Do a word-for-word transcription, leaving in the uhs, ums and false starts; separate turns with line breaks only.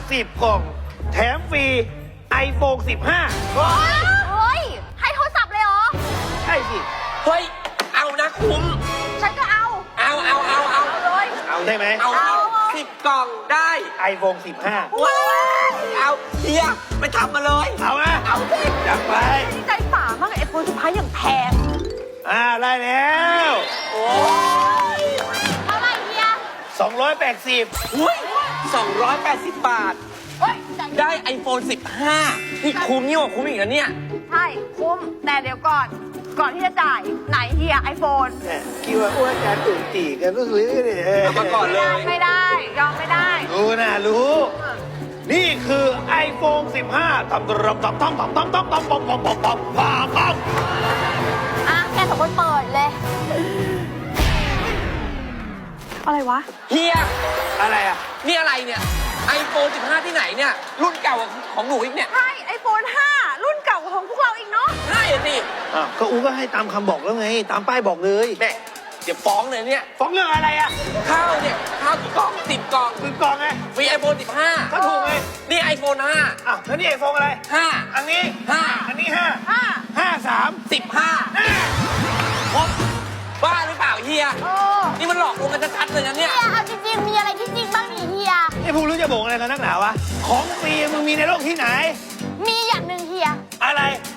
สิบกล่อง แถมฟรีไอโฟนสิบห้า
เฮ้ย ให้โทรศัพท์เลยเหรอ
ใช่สิ
เฮ้ย เอานะคุ้ม
ฉันก็เอา
เอาเอาเอาเอา
เอาเลย
เอาได้ไหม
เอา
เอา
สิบกล่องได้
ไอโฟนสิบห้า
ว้าวเอาเฮียไปทำมาเลย
เอานะ
เอาสิ
จัดไป
ใจป่ามากไอโฟนสุดท้ายอย่างแพง
อ่าได้แล้ว
โอ้ย
เท่าไหร่เฮีย
สองร้อยแปดสิบ
อุ้ยสองร้อยแปดสิบบาท
เฮ้ยใจ
ได้ ไอโฟนสิบห้า นี่คุ้มยิ่งกว่าคุ้มอีกนะเนี่ย
ใช่ คุ้ม แต่เดี๋ยวก่อน ก่อนที่จะจ่าย ไหนเฮียไอโฟน
เนี่ยคิดว่าอ้วนการตื่นตีกันก็ซื้อเนี่ย
เอามาก่อนเลย
ไม่ได้ ยอมไม่ได้
รู้นะรู้ นี่คือ ไอโฟนสิบห้าทำตรำทำทำทำทำทำทำทำทำทำทำทำทำ
อ่ะแกสองคนเปิดเลย อะไรวะ
เฮีย
อะไรอ่ะ
นี่อะไรเนี่ย ไอโฟนสิบห้า ที่ไหนเนี่ย รุ่นเก่าของหนูอีกเนี่ย
ใช่ไอโฟนห้า รุ่นเก่าของพวกเราอีกเนาะ
ใช่อะสิ
อ่ะก็อูก็ให้ตามคำบอกแล้วไง ตามป้ายบอกเลย
แม่เดี๋ยวฟ้องเลยเนี่ย
ฟ้องเรื่องอะไรอ่ะ
ข้าวเนี่ย ข้าวกี่กล่องสิบกล่อง
คือกล่องไง
ฟรีไอโฟนสิบห้า
ก็ถูกไง
นี่ไอโฟนห้า
อ่ะแล้วนี่ไอโฟนอะไร
ห้า
อันนี้
ห้า
อันนี้ห้า
ห้า
ห้าสาม
สิบห้า
ห้า
ครบบ้าหรือเปล่าเฮีย
โอ้
นี่มันหลอกลวงกันชัดๆเลยนะเนี่ย
เฮียเอาจริงๆ มีอะไรที่จริงบ้างนี่เฮีย
ไอ้พวกรู้จะบอกอะไรกันนักหนาวะ ของฟรีมึงมีในโลกที่ไหน
มีอย่างหนึ่งเฮีย
อะไร